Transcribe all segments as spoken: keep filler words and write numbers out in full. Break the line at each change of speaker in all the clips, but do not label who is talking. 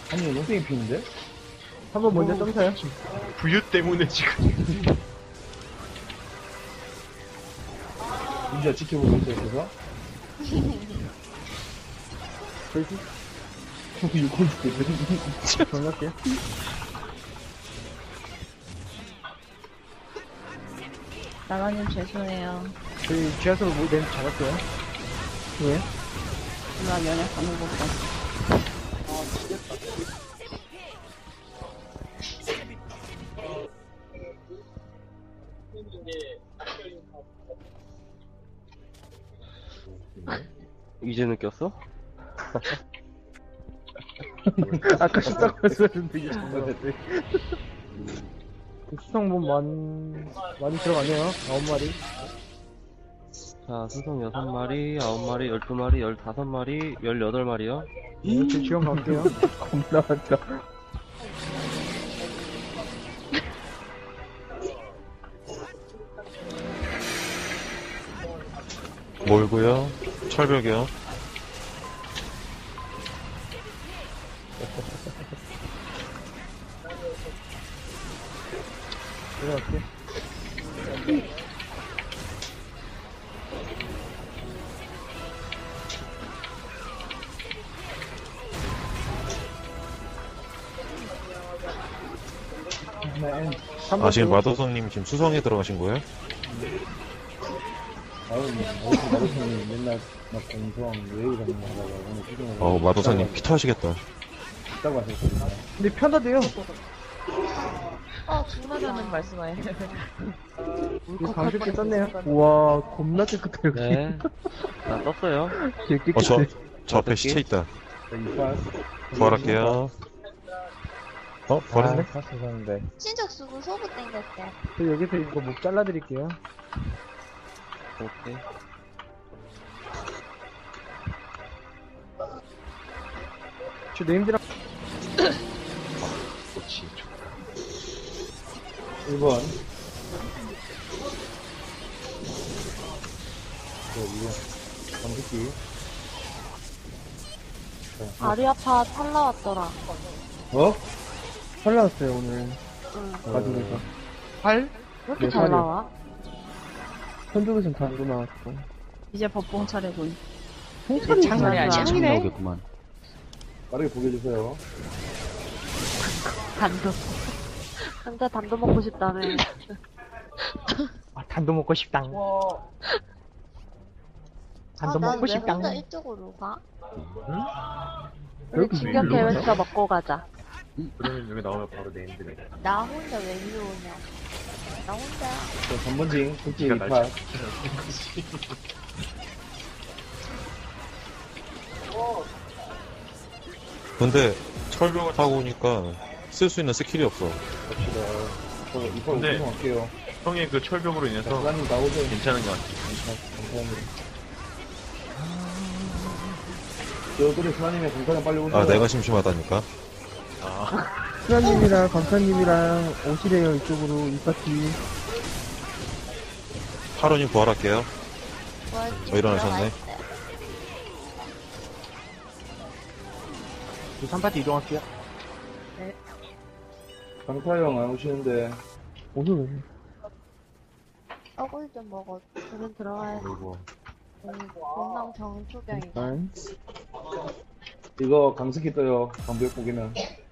아니, 농땡이 피는데?
한번 먼저 점사요.
부유 때문에 지금.
민지야 지켜보고 있어요, 그래서?
저희
육골 죽겠네.
정할게요.
나가님 죄송해요.
저희 지하철 뭐, 렌 잡았어요. 왜?
누나 면역 방금 못 봤어.
이제 느꼈어?
아까 쉽다고 말씀하셨는데 이게 정말 됐네. 수성분 많, 많이 들어가네요. 아홉 마리.
자, 수성 여섯 마리, 아홉 마리, 열두 마리, 열다섯 마리, 열여덟 마리요.
네, 저 지원 갈게요. 겁나 많다.
몰고요. 철벽이요.
들어갈게.
네.
아, 지금 마도성님 지금 수성에 들어가신 거예요?
아유, 어디서 마루성님 맨날 막 공성 외우 잡는 거 하다가 오늘 지금.
어, 마도성님 피터하시겠다.
있다고 하셨거든요.
근데 편하대요.
어, 중마자는 말씀하세요.
이거 방식게 떴네요. 우와, 겁나 깨끗해, 여기.
네. 나 떴어요.
되게 깨끗해.
어, 저, 저 앞에 시체 있다.
자, 이빨.
부활할게요. 어, 부활했네?
샀었는데.
친척 쓰고 소부 땡겼대.
저 여기서 이거 목 잘라드릴게요.
오케이.
저 네임드랑
그렇지.
일 번. 저 이거. 감기기.
아리아파 탈 나왔더라.
어?
살 나왔어요, 오늘.
응.
가족에서.
왜 이렇게
네,
잘
팔이요.
나와?
선두에선 단도 나왔어.
이제 법봉 차례군.
통찰이
장난이 아니야.
짱이네.
빠르게 보게 해주세요.
단도. 혼자 단도 먹고 싶다며.
아, 단도 먹고 싶당. 단도
아, 난
먹고
왜
싶당.
혼자 이쪽으로 가?
우리
여기
진격
일로
계획서 먹고 가자.
그러면 여기 나오면 바로 네임드네.
나 혼자 왜 일로 오냐? 나 혼자.
자, 전번징. 국지
네가 날
이빨.
근데 철벽을 타고 오니까 쓸 수 있는 스킬이 없어.
갑시다. 저 이빨
근데-
우승할게요.
형의 그 철벽으로
자,
인해서
부관님 나오세요.
괜찮은 것 같아.
감사합니다. 저 그래, 수아님의 공사장 빨리 오세요.
아, 내가 심심하다니까. 아,
수나님이랑 감사님이랑 오시래요, 이쪽으로, 이 파티.
하루님 부활할게요.
부활지
어, 일어나셨네.
저 삼 파티 이동할게요.
강타형 안 오시는데.
오늘 왜?
떡을 좀 먹어.
저는 들어가야 돼.
그리고
건강 정초병이다.
일단.
이거 강습기 떠요. 방벽 보기는.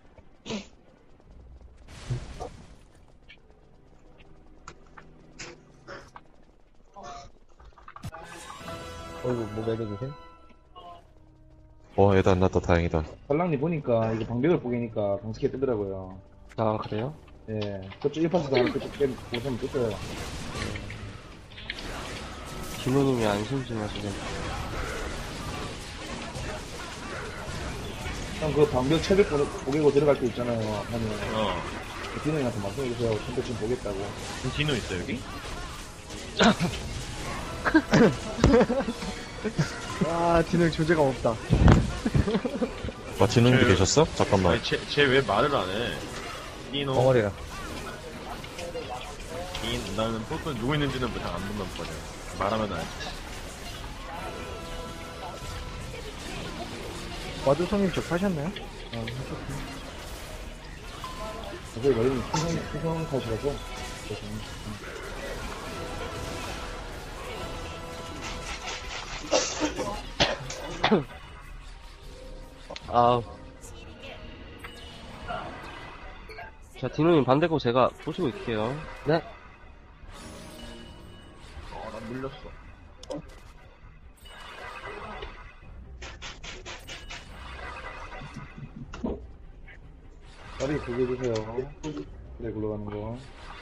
어이구, 뭐 매겨주세요?
어, 애도 안 났다. 다행이다.
살랑니 보니까 이거 방벽을 보기니까 강습기 뜨더라고요.
아, 그래요?
예. 저쪽 일 파스도 하나 그쪽 빼 보시면 떴어요.
김우님이 안 심심하시네.
형, 그 방벽 체력 보- 보기고 들어갈 때 있잖아요. 하면.
어.
디노님한테 말씀해주세요. 근데 지금 보겠다고.
디노 있어, 여기?
와, 진흙 존재가 없다.
아, 디노님도
그-
계셨어? 잠깐만.
아니, 쟤, 쟤 왜 말을 안 해? 디노,
덩어리가.
딘, 나는 보통 누구 있는지는 잘 안 본단 말이야. 말하면 알지.
와드성님 접하셨나요?
어, 어제 머리는 수성, 수성 탓이라서. 그래서,
아. 자, 디노님 반대고 제가 보시고 있을게요.
네.
어, 난 물렸어.
빨리 구겨주세요. 네, 굴러가는 거.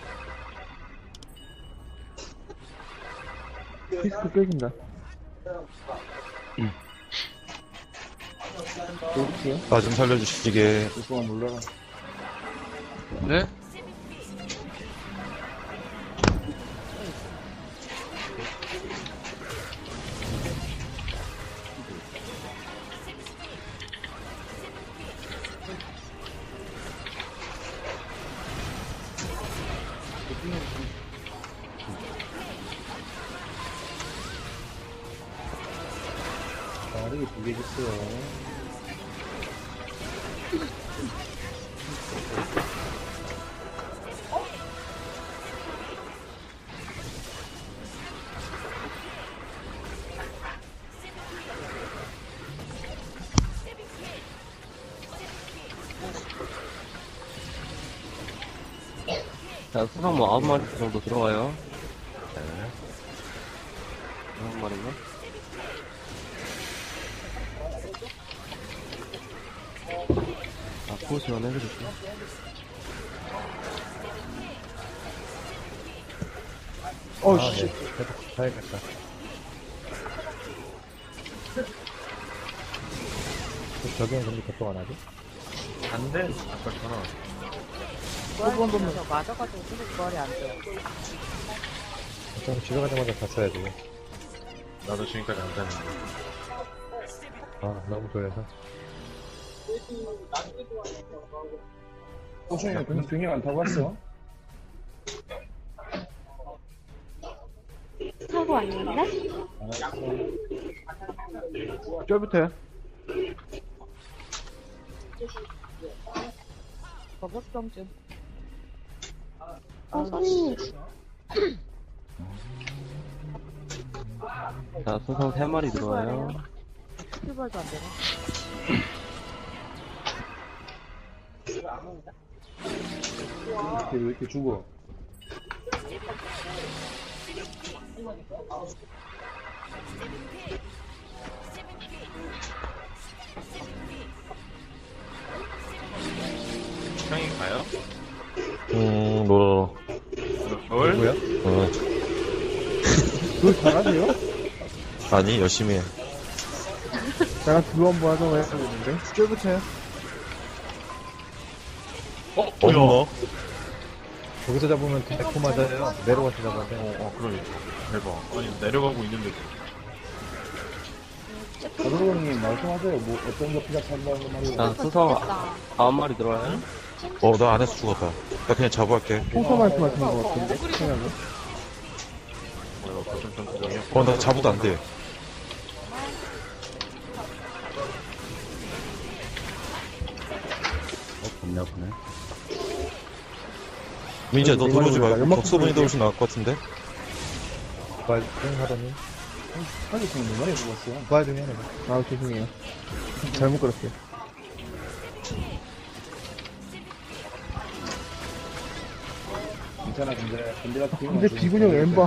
피스크 깨진다. 어디요?
나 좀 살려주시게.
일동안 물러가.
네?
빠르게 구겨주세요.
자, 수상 뭐 아홉 마리 정도 들어와요. 아홉 마리인가? 아, 포 지원해드릴게요.
어,
아,
씨.
네. 계속 가야겠다. 저기는 근데 개통 안 하지?
안 돼? 아까처럼.
부활 보면서 맞아가지고 계속 부활이 안 돼요.
좀 집에 가자마자 갔어야지.
나도 지금까지 안 잤는데.
아, 너무 졸려서. 호수이는 그냥 균형 안 타고 왔어?
타고 왔는데?
알았어.
쫄부터요.
버벅성쯤.
어, 손님.
자, 수상 세 마리 들어와요.
출발도 안 되네.
이렇게 왜 이렇게 죽어?
형이 가요?
음, 로로로.
뭘?
뭐야?
어,
그걸 잘하세요?
아니, 열심히 해.
나랑 두루 한번 하자고 했었는데. 쫄부터요.
어?
어머,
뭐야?
거기서 잡으면 대포 맞아요. 내려가서 잡아야 돼.
어, 어, 그러니까. 대박. 아니, 내려가고 있는데.
가도로님 말씀하세요. 뭐, 어떤 거 피작한다는 말이에요.
자, 수상 아홉 마리 들어와요.
어, 나 안에서 죽었다. 나 그냥 자부할게.
홍서 말씀하시는 것 같은데. 생각이.
뭐야, 거점 전투장이야?
어, 나 자부도 안 돼.
없나 보네.
민지야, 너 들어오지 말고
연막
덕수분이 들어오시 나을 것 같은데?
부활 중 하더니. 빨리 지금 몇 마리 죽었어. 부활 중에 하나.
아, 죄송해요. 잘못 걸었어요.
괜찮아, 근데. 근데 같은 경우는
근데
좀
비군형
재밌어.
엠바.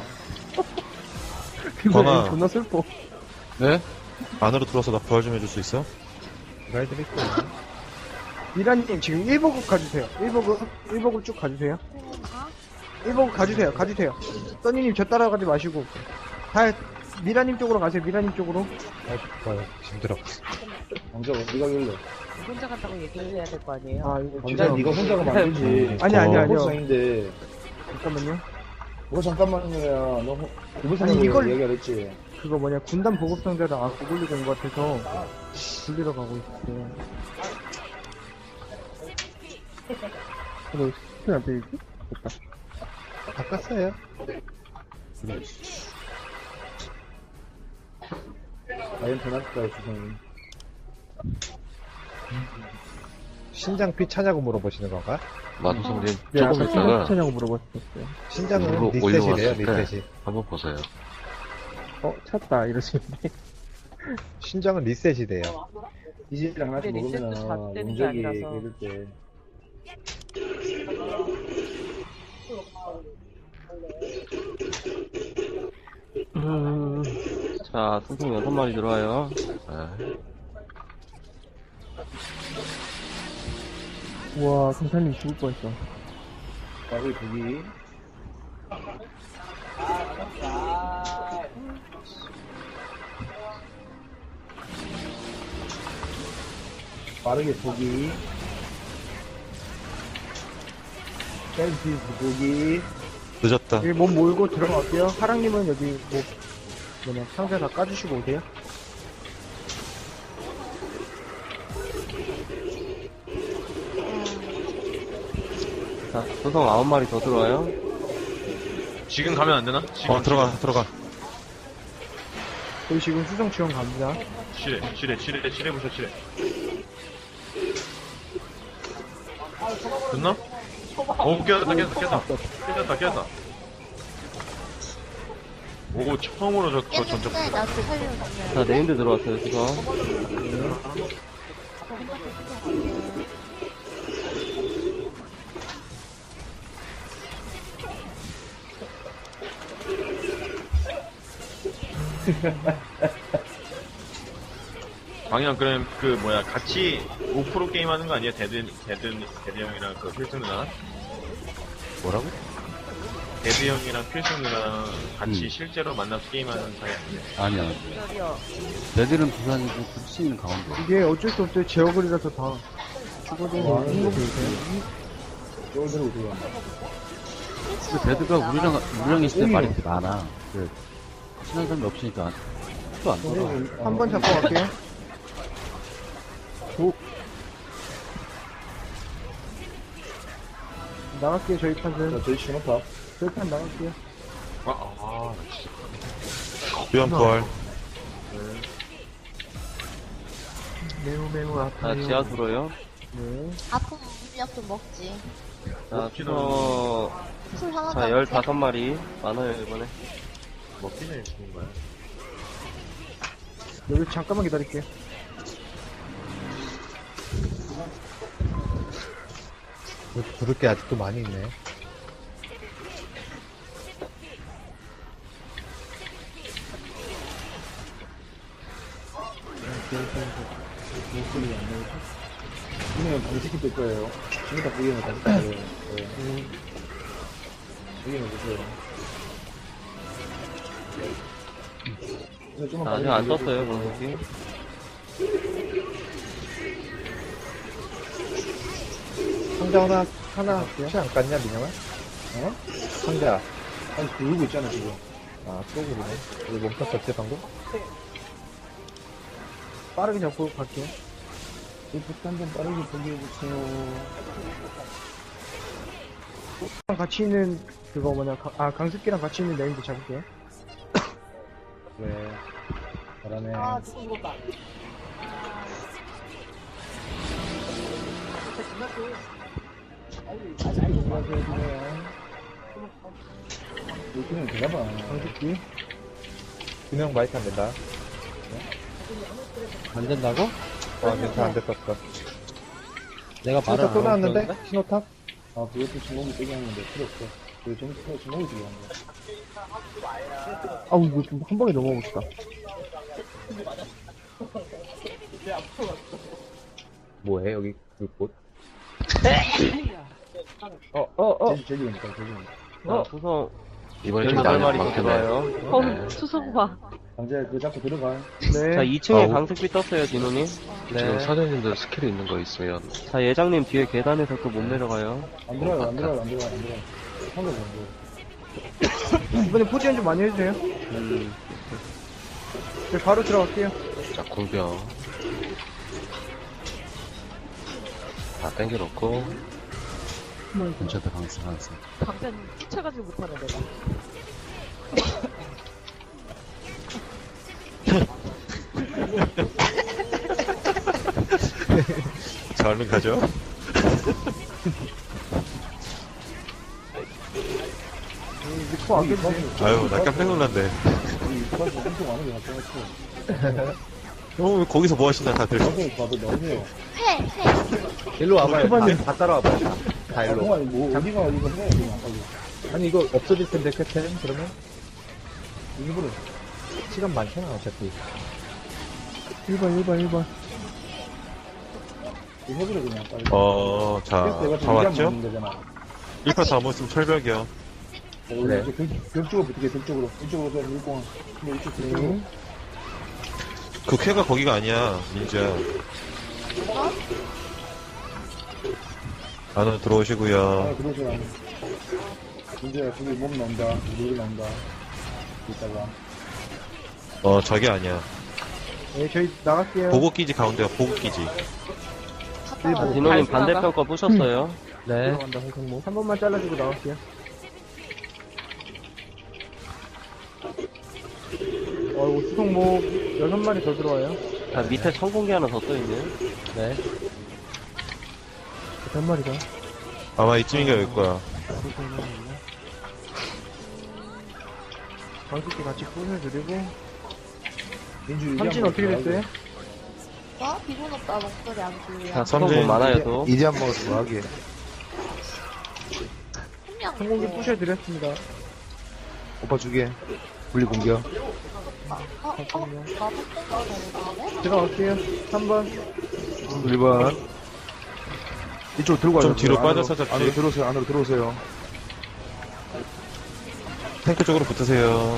비군형
전화.
엠 존나 슬퍼.
네? 안으로 들어와서 나 부활 좀 해줄 수 있어?
부활 좀 있고.
미라님 지금 일 버그 가주세요. 일 버그, 일 버그 쭉 가주세요. 일 버그 가주세요. 가주세요. 써니님 저 따라가지 마시고. 다, 미라님 쪽으로 가세요. 미라님 쪽으로.
아, 부활. 힘들어. 왕자, 네가 열려.
혼자 간다고 얘기를 해야 될 거 아니에요?
아, 이거
왕자, 네가 혼자가 만들지.
아니, 아니, 아니요.
보상인데.
잠깐만요.
뭐 잠깐만요. 너 누구
아니,
생각으로
이걸-
얘기를 했지?
그거 뭐냐, 군단 보급상자를 안 고글리고 온 것 같아서 굴리러 가고 있어요. 너 스킬 안 되지? 됐다.
바꿨어요. 과연 변할까요, 주성이? 신장 피 차냐고 물어보시는 건가?
마도성님
네,
조금
아까
있다가
신청하냐고 물어봤었어요.
신장은
일부러
리셋이래요,
올려왔을 때
리셋이.
한번 보세요.
어, 찾다, 이러시는데.
신장은 리셋이 돼요.
이집이랑 같이
근데 리셋도
먹으면
잣대는 게
용적이
아니라서.
이럴 때
음, 자, 수성 여섯 마리 들어와요.
네.
우와, 성탄님 죽을 뻔했어.
밥을 두기 빠르게 보기 셀피 보기
늦었다.
여기 몸 몰고 들어갈게요. 하랑님은 여기 뭐, 뭐냐, 상자 다 까주시고 오세요.
자, 수성 아홉 마리 더 들어와요.
지금 가면 안 되나? 지금
어, 들어가, 들어가.
저희 지금 수성 지원 갑니다.
칠해, 칠해, 칠해, 칠해 보셔, 칠해. 됐나? 오, 깨졌다, 깨졌다, 깨졌다. 깨졌다, 깨졌다. 오, 처음으로 저, 저 전적.
깼는데 나도 살리는 거
자, 네임드 들어왔어요, 수성.
방이랑 그럼 그 뭐야 같이 오 프로 게임 하는 거 아니야? 데드 데드 데드 형이랑 그 필승 누나?
뭐라고?
데드 형이랑 필승 누나랑 같이
음.
실제로 만나서 게임하는 사이 아니야?
아니야. 내들은 부산이고 불씨는 강원도.
이게 어쩔 수 없어요. 제어글이라서 다. 죽어도
와,
행복이
이거
있어요.
이걸 들어오세요
그 데드가 우리랑, 우리랑 있을 때 말이 많아. 그, 친한 사람이 없으니까 또 안 돌아.
한 번 잡고 갈게요. 오. 나갈게요, 저희 판은.
자 저희 신호탑
저희 판 나갈게요.
아, 아, 나 진짜.
위험 부활.
매우 매우
자,
아파요.
지하 들어요.
네.
아픈 물약 좀 먹지.
자, 수성,
술 하나
자, 열다섯 마리. 많아요, 이번에.
먹기 전에 죽는 거야.
여기 잠깐만 기다릴게요.
부를 게 아직도 많이 있네.
목소리 안 나오죠? 이면 방식이 될 거예요 신호탑 보기에는 다시 가야 돼요 네. 여기는 보세요 네, 좀만
자, 아직
빠르게
안
돌려주세요.
떴어요, 공격이.
상자 하나, 하나, 피 안 깠냐, 민영아?
어?
상자.
아니 돌고 있잖아 지금
아, 또 그러네. 우리 멈췄었지, 방금?
빠르게 잡고 갈게요.
이 폭탄 좀 빠르게 보기해주세요
같이 있는, 그거 뭐냐, 가- 아, 강습기랑 같이 있는 네임도 잡을게요.
왜.
잘하네 이렇게는 되나봐
강습기.
균형 마이크 안 된다.
안 된다고?
와, 괜찮아, 안 됐었어.
내가
신호탑 또 나왔는데? 신호탑?
아 그것도 주먹이 세게 하는데 필요 없어 그게 좀 주먹- 주먹이 중요한 거야
아우, 이거 좀 한 방에 넘어가고 싶다.
뭐해, 여기, 불꽃?
어, 어, 어.
제주 제주 오니까 제주 오니까
자, 수성
이번에 좀
열여덟
많이
마리 더
많겠네.
들어와요.
어, 수성 봐.
강재 그거 잡고 들어가
네.
자, 이 층에
아우.
강습기 떴어요, 디노님.
지금 사장님들 스킬이 있는 거 있으면
자, 예장님 뒤에 계단에서 또 못 내려가요.
안 들어가요 안 들어가요 안 들어가요 안 들어가요 상대 보는 거
이번에 포지션 좀 많이 해주세요.
음,
네, 바로 들어갈게요.
자 공병 다 땡겨놓고 근처에 강사 강사.
방편 쫓아가지고 못하네, 내가.
저 얼른 가죠.
리코 안 깼지?
아유, 나 깜짝 놀랐네.
이파서 엄청 많은 게 나타났어.
어, 거기서 뭐 하시나, 다들.
방송 봐도 나오세요.
회, 회.
일로 와봐요.
초반에-
다, 다 따라와봐요. 다, 다
아,
일로.
동안 뭐, 어디가 이거 해, 그냥 빨리.
아니, 이거 없어질 텐데, 캡틴? 그러면?
일부러.
시간 많잖아, 어차피.
일 번, 일 번, 일 번.
이거 해버려, 그냥 빨리.
어, 자,
내가
다 왔죠?
먹는 거잖아.
일 파 다 모였으면 철벽이요.
그래. 벽 쪽으로 붙게, 벽 쪽으로. 이쪽으로 좀 밀고. 근데 이쪽 벽 쪽으로.
그 쾌가 거기가 아니야, 민지야. 안으로 들어오시고요.
아, 그러지 않아. 이제 저기 몸 나온다. 물 나온다. 이따가.
어, 저기 아니야.
네, 저희 나갈게요.
보고 끼지 가운데가 보고 끼지.
갔다 와요.
디노님 반대편 거 부셨어요.
네.
들어간다, 홍성모. 한 번만 잘라주고 나갈게요. 어이구, 수성모 여섯 마리 더 들어와요.
자, 밑에 천공기 하나 더 떠있네요.
네.
몇 마리가?
아마 이쯤인가 여기 거야.
방식기 같이 부숴드리고.
민주
삼진 어떻게 됐어요?
어? 기분 오빠 목소리 안 들려.
자,
삼진.
천공 많아요, 또.
이제 한 먹었어, 뭐 하게.
한명
성공기 부셔드렸습니다.
오빠 주게. 분리 공격.
어? 어? 나도 똥가 되는데?
들어갈게요. 삼 번.
일 번. 이쪽 들고 가요.
좀 뒤로
안으로,
빠져서 잡지.
안으로 들어오세요, 안으로 들어오세요.
탱크 쪽으로 붙으세요.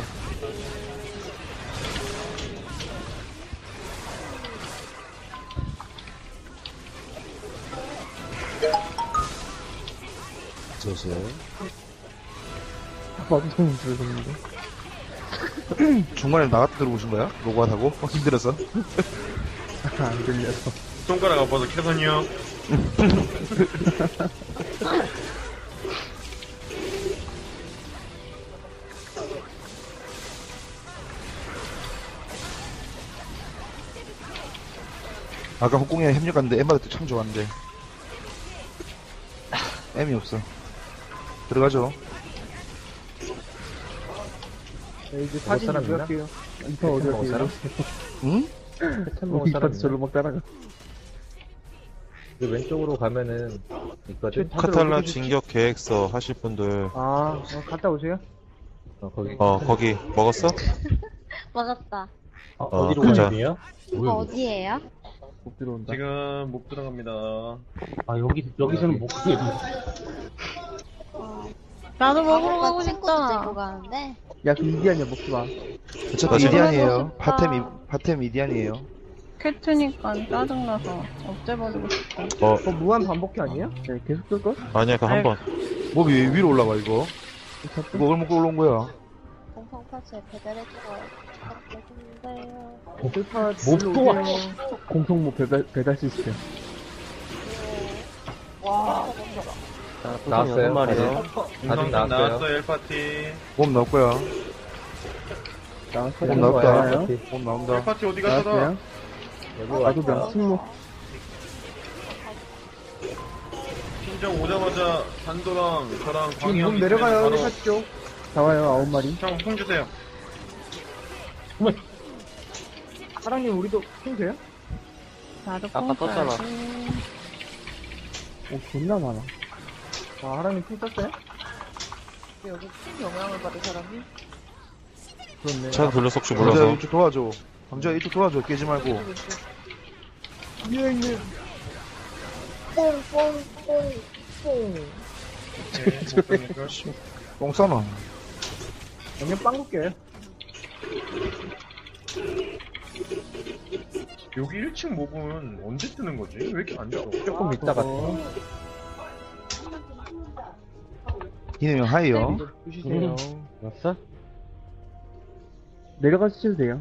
들어오세요.
방송 들어갔는데.
중간에 나갔다 들어오신 거야? 로그아웃하고? 어, 힘들어서?
안 들려서.
손가락 아파서 캐선이요.
아까 홍콩이랑 협력했는데 엠마도 참 좋았는데. M이 없어. 들어가죠.
네, 이제 사진
사람 있나?
찍을게요. 이파 어디
먹을 사람?
갈게요?
응?
이파도 절로 막 따라가.
그 왼쪽으로 가면은 있거든?
다들
카탈라
어디 계시지?
진격 계획서 하실 분들,
아, 어, 갔다 오세요.
어, 거기.
어, 거기 먹었어?
먹었다.
어,
어,
어디로
가자.
가야 돼요?
이거 어디에요?
못 들어온다.
지금 못 들어갑니다.
아, 여기, 여기서는 못 가게.
나도 먹으러
아까
가고
친구도 들고
싶다.
가는데.
야, 그 이디안이야, 먹지 마.
어차피
맞아.
이디안이에요.
싶다.
파템, 이, 파템 이디안이에요.
캣트니까 짜증나서 없애버리고 싶어.
어,
그거 무한 반복기 아니에요? 네, 계속 끌걸?
아니야, 그 한 번.
몸이 왜 위로 올라가, 이거? 이거 얼마 먹고 올라온 거야?
공성 파츠에 배달해주고 부탁드린데요.
슬파
못 도와.
공성모 배달, 배달 시스템.
와.
자, 수성
나왔어요?
여섯 마리요.
공성탄
나왔어요.
나왔어요, 일 파티.
몸 나올 거야.
나왔어요.
몸 나온다.
나와요.
몸 나온다.
일 파티 어디 갔어?
나왔어요. 나도 명승모.
팀장 오자마자 단도랑 저랑
지금
광희
몸
형이
내려가요.
바로
회사 쪽. 나와요, 아홉 마리.
형, 손 주세요.
사랑님, 우리도 핑 돼요?
나도
아까 떴잖아.
뽕
오, 존나 많아. 아, 하랑님 핑 떴어요?
여기 큰 영향을 받은 사람이?
그렇네.
차 돌려서 혹시
감자
몰라서.
이쪽 도와줘. 감자 이쪽 도와줘. 깨지 말고.
위에 있는.
뽕뽕뽕뽕.
똥 싸놔.
그냥 빵 굽게요.
여기 일 층 몹은 언제 뜨는 거지? 왜 이렇게 안 떠?
조금 있다가.
어,
기능형 하이요.
주시세요.
왔어?
내려가시도 돼요.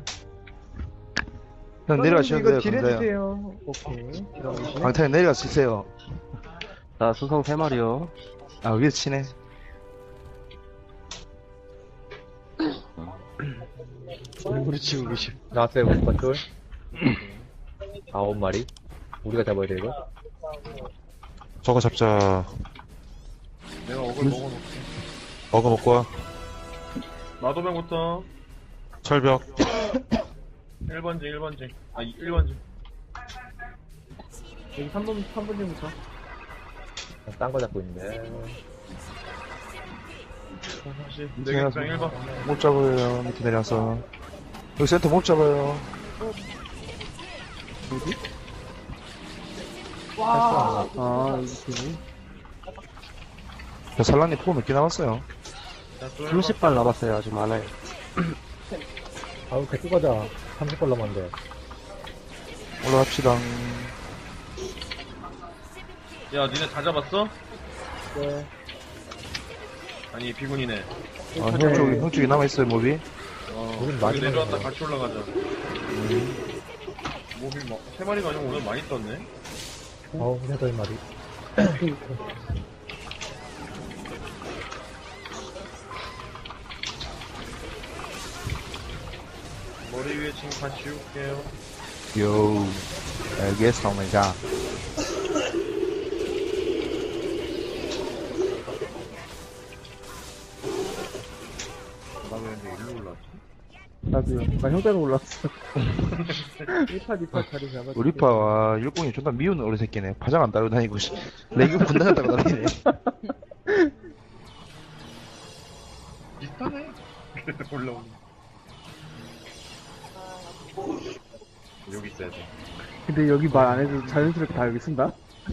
형 내려가셔도 돼요.
이거 딜
감자요.
해주세요. 오케이. 들어가시네.
방탄 내려가 쓰세요.
자, 수성 세 마리요.
아, 위에 치네.
우리 지금 계시.
나왔어요, 오빠 쫄. 아홉 마리. 우리가 잡아야 돼, 이거?
저거 잡자.
내가 어글 먹어놓을게.
어그 먹고 와.
마도병부터
철벽.
일 번지 일 번지 아 일 번지
여기 삼 번, 삼 번째부터.
딴 거 잡고 있는데.
다시 내겠다 일 번
못 잡아요. 밑에 내려서. 여기 센터 못 잡아요.
와. 아, 이렇게.
살라님 포 몇 개 남았어요?
삼십 발 남았어요. 아직 많아요.
아우, 데리고 가자. 삼십 발 남았는데.
올라갑시다.
야 니네 다 잡았어?
네.
아니 비군이네
아, 형 쪽에, 형 쪽에 남아있어요, 몹이?
어
우린
여기
마지막에
내려왔다
먹어.
같이 올라가자 몹이 막 세 마리가 아니고 오늘 많이 떴네
어우, 여덟 마리.
머리 위에 지금 다 지울게요
요, 알겠습니다.
나 왜 근데 일로 올라왔지?
나도요. 나 형따로 올라왔어. 일 파, 이 파 자리 잡아.
우리 파와 일공이 존나 미운 어리 새끼네. 파장 안 따르고 다니고, 씨. 레깅 군단을 따고 다니네.
비슷하네 그래서 올라오는 여기 있어야 돼
근데 여기 말 안 해도 자연스럽게 다 여기 쓴다?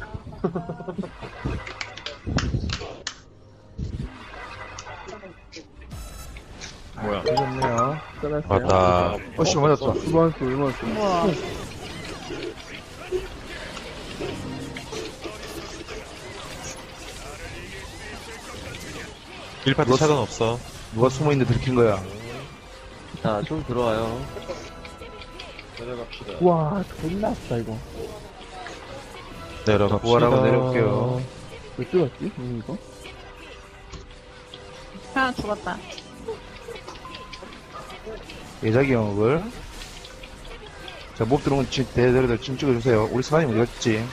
뭐야
좋네요.
써놨어요.
맞다. 어, 씨, 맞았다.
이번 수, 이번 수.
우와.
일 파티 차단 없어. 누가 숨어있는데 들킨 거야?
자, 좀 들어와요.
내려갑시다
우와, 존나 아프다, 이거.
내려갑시다. 부활하고 내려올게요.
왜 뜨겁지? 음, 이거?
하나 죽었다.
예자기 영업을. 자, 몹 들어오면 지, 대대로 좀 찍어주세요. 우리 스나님 어디 갔지?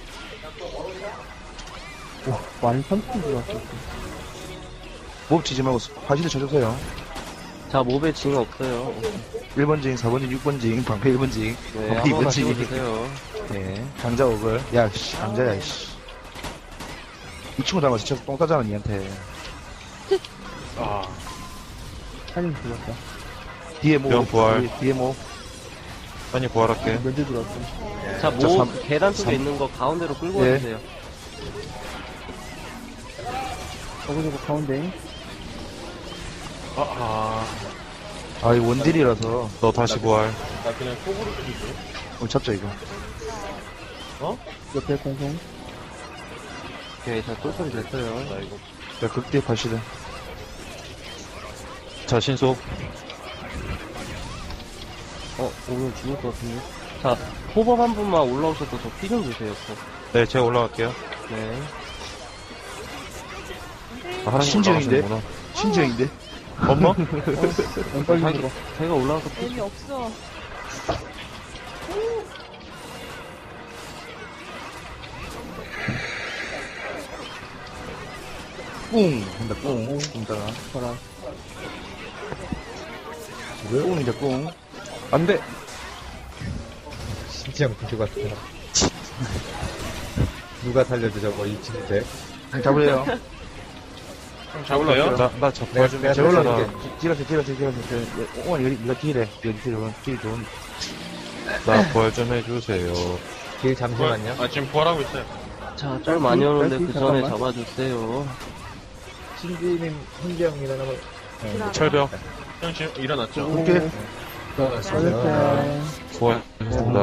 와, 많이 삼천 들어왔어.
몹 치지 말고 화실을 쳐주세요.
자, 몹에 징 없어요.
일 번 징, 사 번 징, 육 번 징, 방패 일 번 징,
네,
방패 이 번
아무거나
징.
찍어주세요.
네, 강자 옥을. 야, 씨, 강자야, 씨. 이 친구 닮아서 진짜 똥 싸잖아, 니한테.
아
한님 들어왔다.
뒤에 모,
명 부활.
뒤에, 뒤에 모.
아니 부활할게
면제 들어왔어.
자,
자,
몹
삼-
계단 쪽에
삼-
있는 거 가운데로 끌고
네.
와주세요.
저거 저거 가운데.
아아
아, 이 원딜이라서.
너 다시 부활 나 그냥 속으로 끼고
오늘 잡자, 이거.
옆에 공공.
오케이, 자, 똘똘이 됐어요.
나 이거
자, 극대 파시든. 자, 신속.
어, 오늘 죽을 것 같은데. 자, 호법 한 분만 올라오셔서 저 피 좀 주세요, 저.
네, 제가 올라갈게요.
네.
아, 하나님
신지영인데?
올라가시는구나. 신지영인데?
엄마?
왼발
자기,
들어.
제가 올라가서 피
재미없어.
뿡! 한다, 뿡. 뿡따라.
봐라.
뿡이다, 뿡. 안 돼!
신지영 군주 같아. 누가 살려줘, 저거, 이 친구인데.
잡으래요.
잡을래요?
나, 나 잡, 부활 좀 해.
내가
제가
잡을게.
올라갈게. 찌라세, 찌라세, 찌라세. 오만, 이거, 이거 딜해. 여기 딜, 딜 좋은. 나 부활 좀 해주세요.
길 잠시만요.
아 지금 부활하고 있어요
자, 쩔 많이 오는데 그 전에
잠깐만.
잡아주세요.
신지님, 신지영 일어나면. 네,
철벽.
형 지금 일어났죠?
오케이.
잘했어요.
수고하셨습니다.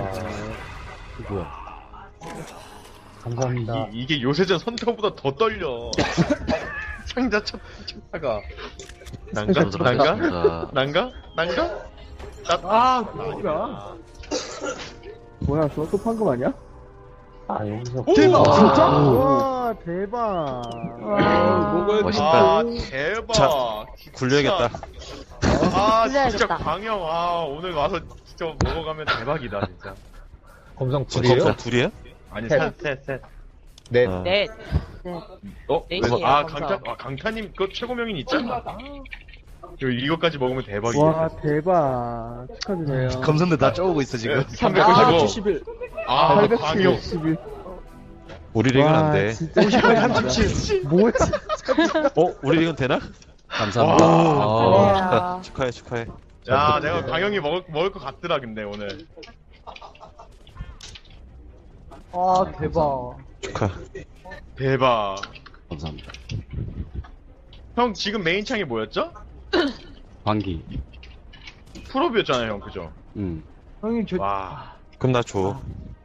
뭐야. 감사합니다.
이, 이게 요새전 선타보다 더 떨려 상자 첫 첫타가 난가? 난가? 난가? 난가?
아, 뭐야. 뭐야, 저거 또 판금 아니야?
아, 여기서.
대박!
와.
진짜?
오.
와, 대박.
먹어야
멋있다.
아 대박
자,
진짜.
굴려야겠다.
아 진짜
굴려야겠다.
광영 아 오늘 와서 진짜 먹어가면 대박이다 진짜
검성
지금
불이에요?
검사 둘이에요?
아니,
셋.
셋, 셋, 셋.
넷.
어.
넷.
어?
넷이에요,
아,
검사.
강타, 아, 강타님, 그 최고명인 있잖아. 이거 이거까지 먹으면 대박이야.
와, 대박. 축하드려요.
검선들 다 쪼우고 있어, 지금.
삼백오십오.
칠십일.
아, 광역.
팔백칠십일.
우리 릭은 안 돼.
진짜 오십팔 뭐야?
어? 우리 릭은 되나?
감사합니다. 어,
아,
축하해, 축하해.
야, 내가 광영이 먹을, 먹을 것 같더라, 근데, 오늘.
아, 대박.
축하.
대박.
감사합니다.
형, 지금 메인 창이 뭐였죠?
광기.
풀업이었잖아요, 형, 그죠?
음.
형님, 저,
와.
그럼 나 줘.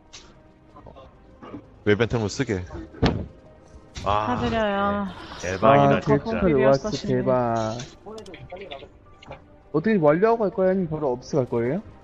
웹벤템으로 쓰게.
와.
축하드려요.
대박이다,
아,
진짜.
대박. 로아스 대박. 어떻게 완료하고 갈 거예요? 아니면 바로 업스 갈 거예요?